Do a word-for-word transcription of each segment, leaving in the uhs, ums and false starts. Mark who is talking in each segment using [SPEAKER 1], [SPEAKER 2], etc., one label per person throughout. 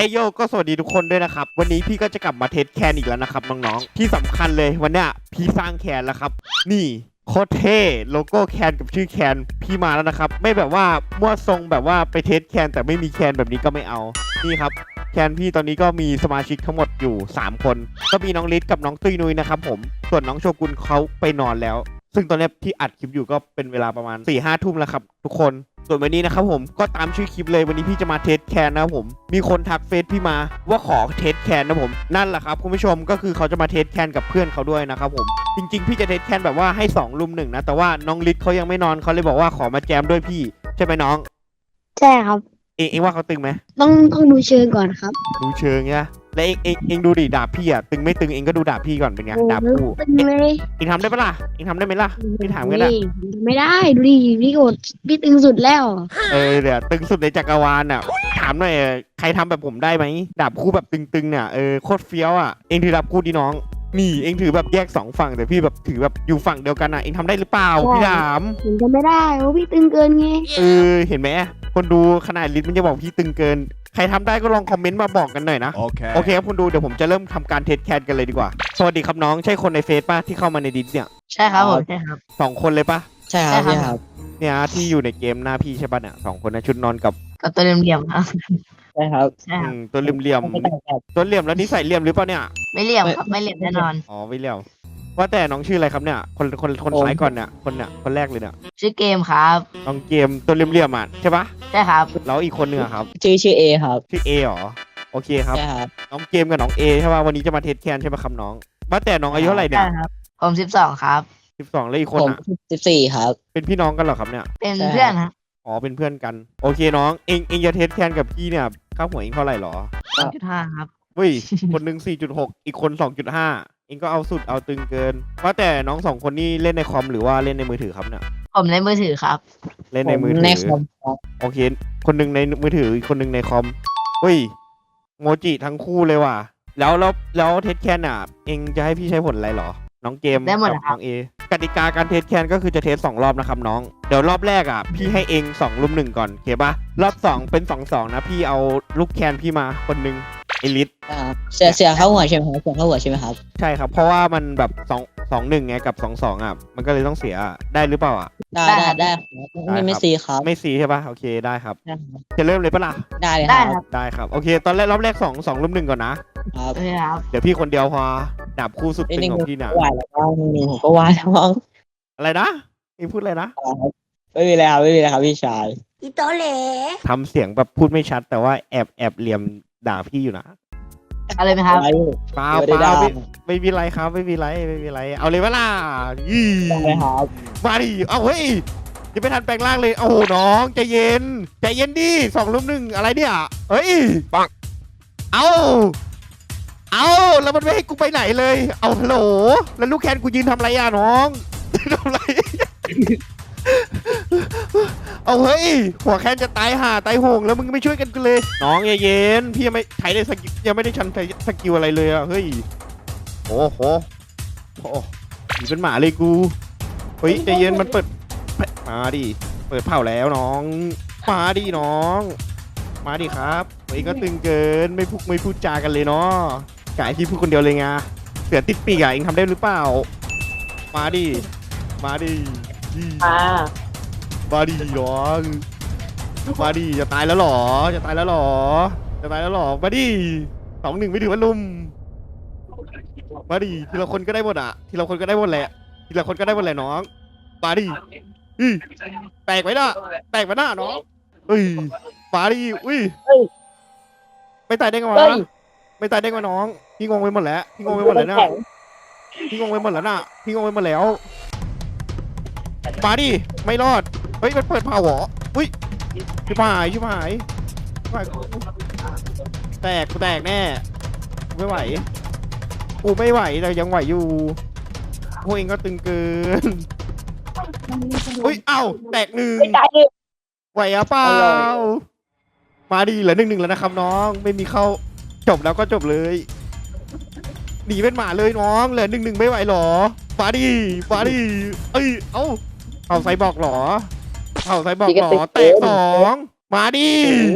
[SPEAKER 1] เอโยก็สวัสดีทุกคนด้วยนะครับวันนี้พี่ก็จะกลับมาเทสแคนอีกแล้วนะครับน้องๆที่สำคัญเลยวันเนี้ยพี่สร้างแคนแล้วครับนี่โคตรเท่โลโก้แคนกับชื่อแคนพี่มาแล้วนะครับไม่แบบว่ามั่วทรงแบบว่าไปเทสแคนแต่ไม่มีแคนแบบนี้ก็ไม่เอานี่ครับแคนพี่ตอนนี้ก็มีสมาชิกทั้งหมดอยู่สามคนก็มีน้องลิศกับน้องตุ้ยนุ้ยนะครับผมส่วนน้องโชกุนเขาไปนอนแล้วซึ่งตอนนี้ที่อัดคลิปอยู่ก็เป็นเวลาประมาณสี่ห้าทุ่มแล้วครับทุกคนส่วนวันนี้นะครับผมก็ตามชื่อคลิปเลยวันนี้พี่จะมาเทสแคนนะครับผมมีคนทักเฟซพี่มาว่าขอเทสแคนนะผมนั่นแหละครับคุณผู้ชมก็คือเขาจะมาเทสแคนกับเพื่อนเขาด้วยนะครับผมจริงๆพี่จะเทสแคนแบบว่าให้สองลุมหนึ่งนะแต่ว่าน้องลิศเขายังไม่นอนเขาเลยบอกว่าขอมาแจมด้วยพี่ใช่ไหมน้อง
[SPEAKER 2] ใช่ครับ
[SPEAKER 1] เองเองว่าเขาตึงไหม
[SPEAKER 2] ต้องต้องดูเชิงก่อนครับ
[SPEAKER 1] ดูเชิงเนี่ยแล้วเองเองเองดูดิดาบพี่อะตึงไม่ตึงเองก็ดูดาบพี่ก่อนเป็นไงดาบคู่
[SPEAKER 2] ตึงเลย
[SPEAKER 1] เองทำได้ปะล่ะเองทำได้ไหมล่ะพี่ถามกันนะ
[SPEAKER 2] ไม่ได้ดูดิพี่โกดพี่ตึงสุดแล้ว
[SPEAKER 1] เออเดี๋ยวตึงสุดในจักรวาลอ่ะถามหน่อยใครทำแบบผมได้ไหมดาบคู่แบบตึงๆเนี่ยเออโคตรเฟี้ยวอ่ะเองถือดาบคู่ดิน้องนี่เองถือแบบแยกสองฝั่งแต่พี่แบบถือแบบอยู่ฝั่งเดียวกันอ่ะเองทำได้หรือเปล่าพี่ถาม
[SPEAKER 2] เห็นจะไม่ได้โอ้พี่ตึงเกินไง
[SPEAKER 1] เออเห็นไหมคนดูขนาดลิศมันจะบอกพี่ตึงเกินใครทำได้ก็ลองคอมเมนต์มาบอกกันหน่อยนะโอเคโอเคครับคุณดูเดี๋ยวผมจะเริ่มทำการเทสแคนกันเลยดีกว่าสวัสดีครับน้องใช่คนในเฟซป่ะที่เข้ามาในดิสเนี่ย
[SPEAKER 2] ใช่ครับผมใช่ครับ
[SPEAKER 1] สองคนเลยป่ะ
[SPEAKER 3] ใช่ครับใช่ครับ
[SPEAKER 1] เนี่ยที่อยู่ในเกมหน้าพี่ใช่ป่ะเนี่ยสองคนนะชุดนอนกับ
[SPEAKER 2] กับตัวเหลี่ยมๆครับ
[SPEAKER 3] ใช่ครับ
[SPEAKER 1] ตัวเหลี่ยมๆตัวเหลี่ยมแล้วนี่ใส่เหลี่ยมหรือเปล่าเนี่ย
[SPEAKER 2] ไม่เหลี่ยมครับไม่เหลี่ยมแน่นอน
[SPEAKER 1] อ๋อไม่เหลี่ยมว่าแต่น้องชื่ออะไรครับเนี่ยคนคนคนซ้ายก่อนเนี่ยคนเนี่ยคนแรกเลยเนี่ย
[SPEAKER 2] ชื่อเกมครับ
[SPEAKER 1] น้องเกมตัวเหลี่ยมๆอ่ะใช่ปะ
[SPEAKER 2] ใช่ครับ
[SPEAKER 1] แล้วอีกคนนึงครับ
[SPEAKER 3] ชื่อชื่อเอครับ
[SPEAKER 1] ชื่อเอหรอโอเคครับ
[SPEAKER 3] ใช่ครับ
[SPEAKER 1] น้องเกมกับน้องเอใช่ป่ะวันนี้จะมาเทสแคนใช่ป่ะครับน้องว่าแต่น้องอายุเท่าไหร่เนี่ย
[SPEAKER 2] ใช่ครับผมสิบสองครับ
[SPEAKER 1] สิบสองแล้วอีกคนอ่ะ
[SPEAKER 3] สิบสี่ครับ
[SPEAKER 1] เป็นพี่น้องกันเหรอครับเนี่ย
[SPEAKER 2] เป็นเพื่อนครับ
[SPEAKER 1] อ๋อเป็นเพื่อนกันโอเคน้องเองเองจะเทสแคนกับพี่เนี่ยค่าหัวเองเท่าไหร่หรอ
[SPEAKER 2] สองจุดห้า ครับ
[SPEAKER 1] เฮ้ยคนหนึ่ง สี่จุดหก อีกคน สองจุดห้า เองก็เอาสุดเอาตึงเกินว่าแต่น้องสองคนนี้เล่นในคอมหรือว่าเล่นในมือถือครับเนี่ย
[SPEAKER 2] ผมในมือถือครับ
[SPEAKER 1] เล่นในมือถือ
[SPEAKER 3] ในคอม
[SPEAKER 1] โอเคคนหนึ่งในมือถืออีกคนหนึ่งในคอมเฮ้ยโมจิทั้งคู่เลยว่ะแล้วแล้วแล้วเทสแคนอ่ะเองจะให้พี่ใช้ผลอะไรหรอน้องเกม
[SPEAKER 2] ได้หมด
[SPEAKER 1] กับน้องเอกติกาการเทสแคนก็คือจะเทสสองรอบนะครับน้องเดี๋ยวรอบแรกอ่ะพี่ให้เองสองลุมหนึ่งก่อนโอเคปะรอบสองเป็นสองสองนะพี่เอาลูกแคนพี่มาคนหนึ่งเอลิท
[SPEAKER 3] เสียเสียเข้าหัวใช่ไหมครับเสียเข้าหัวใช่ไหมครับ
[SPEAKER 1] ใช่ครับเพราะว่ามันแบบสองสองหนึ่งไงกับสองสองอ่ะมันก็เลยต้องเสียได้หรือเปล่าอ่ะ
[SPEAKER 3] ได้ได้ได้ไม่ไม่ซีครับ
[SPEAKER 1] ไม่ซีใช่ปะโอเคได้ครับจะเริ่มเลยปะล่ะ
[SPEAKER 3] ได้เลย
[SPEAKER 2] ครับ
[SPEAKER 1] ได้ครับโอเคตอนแรกรอบแรกสองสองลุมหนึ่งก่อนนะครับเดี๋ยวพี่คนเดียวพอดาบคู่สุดตึงของพี่เนี่ย
[SPEAKER 3] วายแล้วก็หนึ่งผมก็วายแล้วมั้ง
[SPEAKER 1] อะไรนะนี่พูดอะไรนะ
[SPEAKER 3] ไม่มีแล้วไม่มีแล้วครับพี่ชาย
[SPEAKER 2] อีโตเล่
[SPEAKER 1] ทำเสียงแบบพูดไม่ชัดแต่ว่าแอบแอบเหลี่ยมด่าพี่อยู่นะ
[SPEAKER 2] อะไรไหมครับ
[SPEAKER 1] เปล่าเปล่าไม่ไม่มีไรครับไม่มีไรไม่มีไรเอาเลยเวล่ะยี่มาดิเอาเฮ้ยยังไม่ทันแปลงร่างเลยโอ้โหน้องใจเย็นใจเย็นดิสองลุมหนึ่งอะไรเนี่ยเฮ้ยปังเอาเอาแล้วมันไม่ให้กูไปไหนเลยเอาฮัลโหลแล้วลูกแคนกูยืนทำไรอ่ะน้องทำไรเอาเฮ้ยหัวแคนจะตายห่าตายโหงแล้วมึงไม่ช่วยกันกันเลยน้องเย็นพี่ยังไม่ใช้ได้สกิลยังไม่ได้ชันใช้สกิลอะไรเลยอ่ะเฮ้ยโอ้โหโอ้หนีเป็นหมาเลยกูเฮ้ยใจเย็นมันเปิดมาดิเปิดเผาแล้วน้องมาดิน้องมาดิครับเฮ้ยก็ตึงเกินไม่พูดไม่พูดจากันเลยเนาะกายที่พูดคนเดียวเลยไงเสือติดปีกอ่ะเองทำได้หรือเปล่ามาดิมาดิ
[SPEAKER 3] มา
[SPEAKER 1] มาดิน้องมาดิจะตายแล้วหรอจะตายแล้วหรอจะตายแล้วหรอมาดิสองหนึ่งไม่ถือว่าลุมมาดิทีละคนก็ได้หมดอ่ะทีละคนก็ได้หมดแหละทีละคนก็ได้หมดแหละน้องมาดิแตกไปหน้าแตกไปหน้าน้องเฮ้ยมาดิอุ้ยไม่ตายได้ไงวะไม่ตายได้ไงน้องพี่งงไปหมดแล้วพี่งงไปหมดแล้วนะพี่งงไปหมดแล้วนะพี่งงไปหมดแล้วมาดิไม่รอดเฮ้ยมันเปิดเผาหรออุ้ยชิบหายชิบหายแตกกูแตกแน่ไม่ไหวกูไม่ไหวแต่ยังไหวอยู่พวกเองก็ตึงเกินอุ้ยเอ้าแตกหนึ่งไหวอะเปล่ามาดิเหลือหนึ่งหนึ่งแล้วนะครับน้องไม่มีเข้าจบแล้วก็จบเลยหนีเป็นหมาเลยน้องเหลือหนึ่งหนึ่งไม่ไหวหรอมาดิมาดิเอ้ยเอ้าเอาไซบอกหรอเอาไซบอกหรอแตกสองมาดิ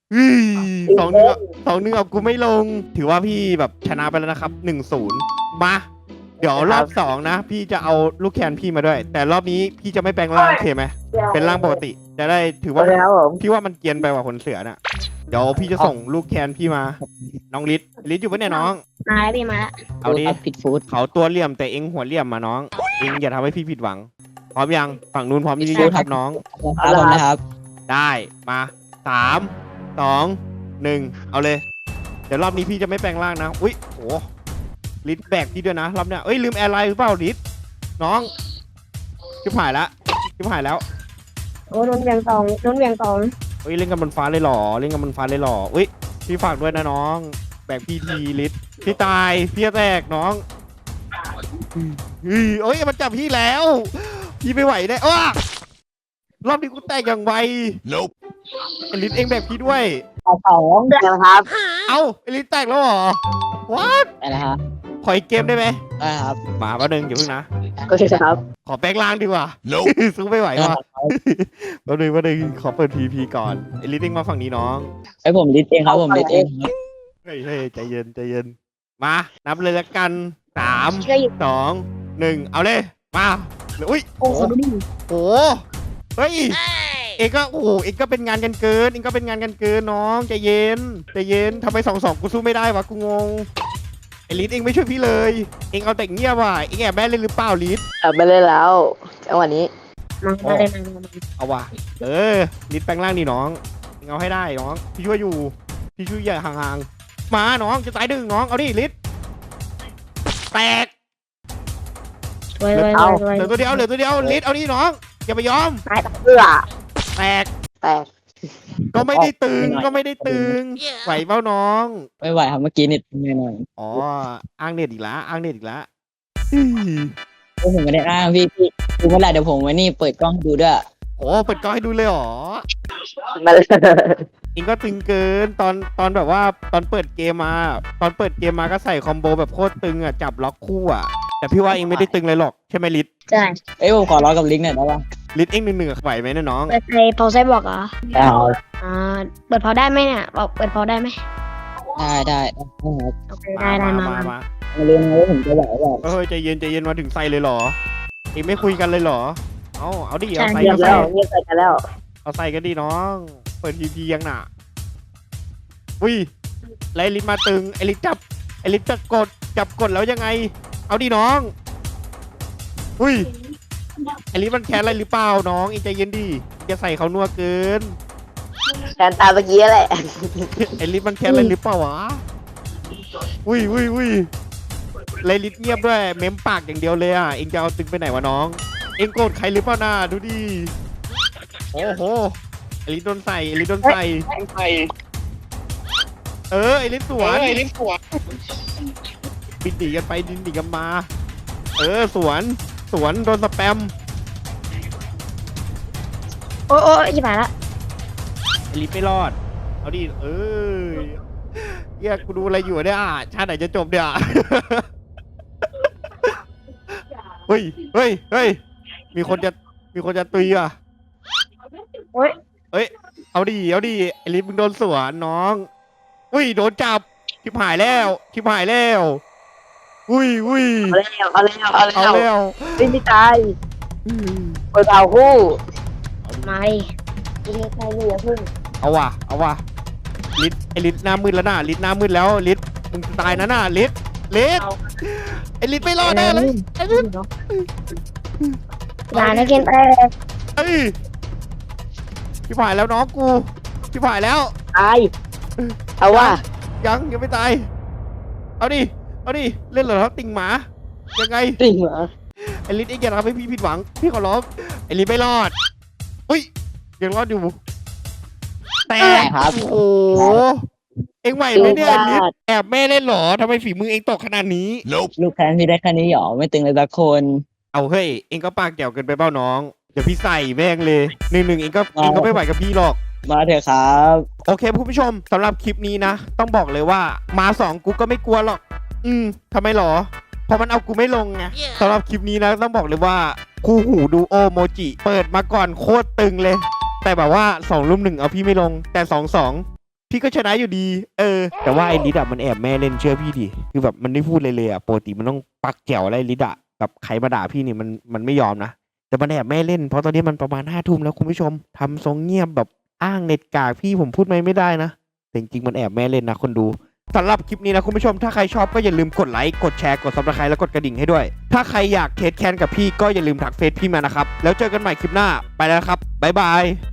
[SPEAKER 1] อืมสองหนึ่งสองหนึ่งเอากูไม่ลง ถือว่าพี่แบบชนะไปแล้วนะครับหนึ่งศูนย์มา เดี๋ยวรอบสองนะ พี่จะเอาลูกแคนพี่มาด้วย แต่รอบนี้พี่จะไม่แปลงร่างโอเคไหมเป็นร่างปกติ จะได้ถือว่า
[SPEAKER 3] แล้วผม
[SPEAKER 1] พี่ว่ามันเกรียนไปกว่าขนเสือน่ะ เดี๋ยวพี่จะส่งลูกแคนพี่มา น้องลิศลิศอยู่ปะเนี่ยน้อง
[SPEAKER 2] มาแล้วพี่มาแล้ว
[SPEAKER 1] เอาดิ
[SPEAKER 3] ผิดฟูด
[SPEAKER 1] เขาตัวเหลี่ยมแต่เอ็งหัวเหลี่ยมมาน้อง เอ็งอย่าทำให้พี่ผิดหวัง พร้อมยัง ฝั่งนู้นพร้อมยังครับน้อง
[SPEAKER 3] ครับผมนะครับ
[SPEAKER 1] ได้มาสามสองหนึ่งเอาเลย เดี๋ยวรอบนี้พี่จะไม่แปลงร่างนะ อุ้ยโหลิศแบกพี่ด้วยนะรอบเนี้ยเอ้ยลืมแอร์ไลน์หรือเปล่าลิศน้องชิบหายละชิบหายแล้ว
[SPEAKER 2] โอ้นุ่นเวียงตองนุ่นเวียงตอง
[SPEAKER 1] เอ้ยเล่นกันบนฟ้าเลยเหรอเล่นกันบนฟ้าเลยเหรออุ้ยพี่ฝากด้วยนะน้อง แบกพี่ทีลิศพี่ตายพี่จะแตกน้องอือเอ้ยมันจับพี่แล้ว พี่ไม่ไหวแน่อ้ารอบนี้กูแตกอย่างไว
[SPEAKER 4] Nope.
[SPEAKER 1] ไอลิศเองแบกพี่ด้วย
[SPEAKER 3] สองนะครับ
[SPEAKER 1] เอ้าไอลิศแตกแล้วเหรอว้า
[SPEAKER 3] ได้แล้วครับ
[SPEAKER 1] ขออีกเกมได้ไหม
[SPEAKER 3] ได้ครับ
[SPEAKER 1] มาแป๊บนึงอย่าเพิ่งนะ
[SPEAKER 3] โอเคครับ
[SPEAKER 1] ขอแปลงร่างดีกว่า
[SPEAKER 4] Nope.
[SPEAKER 1] สู้ไม่ไหวว่ะแป๊บนึงแป๊บนึงขอเปิดพีพีก่อนไอลิศเองมาฝั่งนี้น้อง
[SPEAKER 3] ไอผมลิดเองครับผมลิดเองครับ
[SPEAKER 1] เฮ้ยเฮ้ยใจเย็นใจเย็นมานับเลยละกันสาม
[SPEAKER 2] เชื่ออยู่
[SPEAKER 1] สองหนึ่งเอาเลยมาเหลืออุ้ย
[SPEAKER 2] โอ้โหดูดิ
[SPEAKER 1] โอ้เฮ้ยเองก็โอ้โหเองก็เป็นงานกันเกินเองก็เป็นงานกันเกินน้องใจเย็นใจเย็นทำไมสองสองกูสู้ไม่ได้วะกูงงไอลิศเองไม่ช่วยพี่เลย เองเอาแต่เงียบว่ะเองแอบแม่เล่นหรือเปล่าลิศ
[SPEAKER 3] กลับไปเลยแล้วจังหวะนี้
[SPEAKER 2] มามาเลยมามามา
[SPEAKER 1] เอาว่ะเออลิศแปลงร่างนี่น้องเองเอาให้ได้น้องพี่ช่วยอยู่พี่ช่วยอย่าห่างๆมาน้องจะตายดึงน้องเอาดิลิศแตก
[SPEAKER 2] ไว้ไว้
[SPEAKER 3] เอา
[SPEAKER 2] ไว้
[SPEAKER 1] เหลือตัวเดียวเหลือตัวเดียวลิศเอาดิน้องอย่าไปยอม
[SPEAKER 2] ตาย
[SPEAKER 3] เพื่อ
[SPEAKER 1] แตก
[SPEAKER 3] แตก
[SPEAKER 1] ก็ไม่ได้ตึงก็ไม่ได้ตึงไหวเปล่าน้อง
[SPEAKER 3] ไม่ไหวครับเมื่อกี้เน็ตไม่หน่อย
[SPEAKER 1] อ๋ออ้างเน็ตอีกแล้วอ้างเน็ตอีกแล้ว
[SPEAKER 3] โอ้ผมไม่ได้อ้างพี่พี่ดูเมื่อไหร่เดี๋ยวผมไว้นี่เปิดกล้องให้ดูด้วย
[SPEAKER 1] โอ้เปิดกล้องให้ดูเลยเหรอ
[SPEAKER 3] มา
[SPEAKER 1] เองก็ตึงเกินตอนตอนแบบว่าตอนเปิดเกมมา ตอนเปิดเกมมาก็ใส่คอมโบแบบโคตรตึงอ่ะจับล็อกคู่อ่ะแต่พี่ว่าเองไม่ได้ตึงเลยหรอกใช่ไหมลิศ
[SPEAKER 2] ใช่
[SPEAKER 3] เอ้ยผมขอร้องกับลิงก์หน่อยได้ปะ
[SPEAKER 1] ลิศเองหนึ่งหนึ่งไหวไหมเนะน้อง
[SPEAKER 2] เปิดไฟเผาไซบอกเหรอ
[SPEAKER 3] ได้ครับ
[SPEAKER 2] อ่าเปิดเผาได้ไหมเนี่ยบอกเปิดเผาได้ไหม
[SPEAKER 3] ได้ได้ได้ครับ
[SPEAKER 2] โอเคได้ได้มา
[SPEAKER 1] มา
[SPEAKER 2] มา
[SPEAKER 1] มา
[SPEAKER 3] มาเรียนรู้ผมจะไหวแบบ
[SPEAKER 1] เฮ้ยใจเย็นใจเย็นมาถึงใส่เลยเหรอเองไม่คุยกันเลยเหรอเอาเอาดิเอาใส่
[SPEAKER 3] เงียบ
[SPEAKER 1] เอา
[SPEAKER 3] แล้
[SPEAKER 1] ใส่
[SPEAKER 3] วเงียบไปกันแล้ว
[SPEAKER 1] เอาใส่กันดิน้อง เปิดพีพียังหนาอุ้ยไลลิศมาตึงไอลิศจับไอลิศจะกดจับกดแล้วยังไง เอาดิน้องอุ้ยไอลิศมันแค้นอะไรหรือเปล่าน้องเองใจเย็นดิจะใส่เขานัวเกิน
[SPEAKER 3] แทนตาเมื่อกี้แหละ
[SPEAKER 1] ไอลิศมันแค้นอะไรหรือเปล่าวะอุ้ยอุ้ยอุ้ยไลลิศเงียบด้วยเม้มปากอย่างเดียวเลยอ่ะเองจะเอาตึงไปไหนวะน้อง เองโกรธใครหรือเปล่าน่าดูดิโอ้โหไอลิศโดนใส่ไอลิศโดนใส่ เออไอลิศสวนไอลิศสวนบินหนีกันไปดินหนีกันมา เออสวนสวนโดนสแปม
[SPEAKER 2] โอ้โอ้ยี่ผ่านละ
[SPEAKER 1] ไอลิศไม่รอด เอาดิเออเฮียกูดูอะไรอยู่เนี่ยอ่ะชาติไหนจะจบเนี่ย เฮ้ยเฮ้ยเฮ้ยมีคนจะมีคนจะตุยอ่ะ
[SPEAKER 2] โอ้ย
[SPEAKER 1] เอ้ยเอาดิเอาดิไอลิศมึงโดนสวนน้องอุ้ยโดนจับชิบหายแล้วชิบหายแล้วอุ้ยอุ้ย
[SPEAKER 3] เอาแล้วเอาแล้วเอา
[SPEAKER 1] เอา
[SPEAKER 3] แล้ว
[SPEAKER 1] แล้ว
[SPEAKER 3] ไม่มีตายเปิดเอาคู่
[SPEAKER 2] มาดิยิงใครดีอย่าพึ่ง
[SPEAKER 1] เอาว่ะเอาว่ะลิศไอลิศหน้ามืดแล้วน่ะลิศหน้ามืดแล้วลิศมึงจะตายนะน่ะลิศลิศไอลิศไม่รอดแน่เลยไอลิศ
[SPEAKER 2] ลาแล้วกินไป
[SPEAKER 1] เอ้ยชิบหายแล้วน้องกูชิบหายแล้ว
[SPEAKER 3] ตายเอาว่า
[SPEAKER 1] ยังยังไม่ตายเอาดิเอาดิเล่นเหรอครับติ่งหมายังไง
[SPEAKER 3] จริงเหรอ
[SPEAKER 1] ไอลิศเองอย่าทำให้พี่ผิดหวังพี่ขอร้องไอลิศไม่รอดอุ้ยยังรอดอยู่แต่
[SPEAKER 3] ครับ
[SPEAKER 1] โอ้โหเอ็งไหวไหมเนี่ยลิศแอบแม่เล่นเหรอทำไมฝีมือเองตกขนาดนี้
[SPEAKER 4] Nope.
[SPEAKER 3] ลูกแพนพี่ได้แค่นี้หรอไม่ตึงเลยสักคน
[SPEAKER 1] เอาเฮ้ยเองก็ปากแจ๋วเกินไปเปล่าน้องเดี๋ยวพี่ใส่แม่งเลยหนึ่งหนึ่งเองก็เองก็ไม่ไหวกับพี่หรอก
[SPEAKER 3] มาเถอะครับ
[SPEAKER 1] โอเคคุณผู้ชมสำหรับคลิปนี้นะ ต้องบอกเลยว่ามาสองกูก็ไม่กลัวหรอก อืมทำไมหรอเพราะมันเอากูไม่ลงไงสำหรับคลิปนี้นะต้องบอกเลยว่าคู่หูดูโอโมจิเปิดมาก่อนโคตรตึงเลย แต่แบบว่าสองรุ่มหนึ่งเอาพี่ไม่ลง แต่สองสองพี่ก็ชนะอยู่ดี เออ แต่ว่าไอ้ลิดอะมันแอบแม่เล่นเชื่อพี่ดิคือแบบมันไม่พูดเลยเลยอะปกติมันต้องปักแจ๋วอะไรลิดอะแบบใครมาด่าพี่นี่มันมันไม่ยอมนะแต่มันแอบแม่เล่นเพราะตอนนี้มันประมาณห้าทุ่มแล้วคุณผู้ชมทำทรงเงียบแบบอ้างเน็ตกากพี่ผมพูดไม่ไม่ได้นะแต่จริงๆมันแอบแม่เล่นนะคนดูสำหรับคลิปนี้นะคุณผู้ชมถ้าใครชอบก็อย่าลืมกดไลค์กดแชร์กดซับสไครต์แล้วกดกระดิ่งให้ด้วยถ้าใครอยากเทสแคนกับพี่ก็อย่าลืมทักเฟซพี่มานะครับแล้วเจอกันใหม่คลิปหน้าไปแล้วครับบ๊ายบาย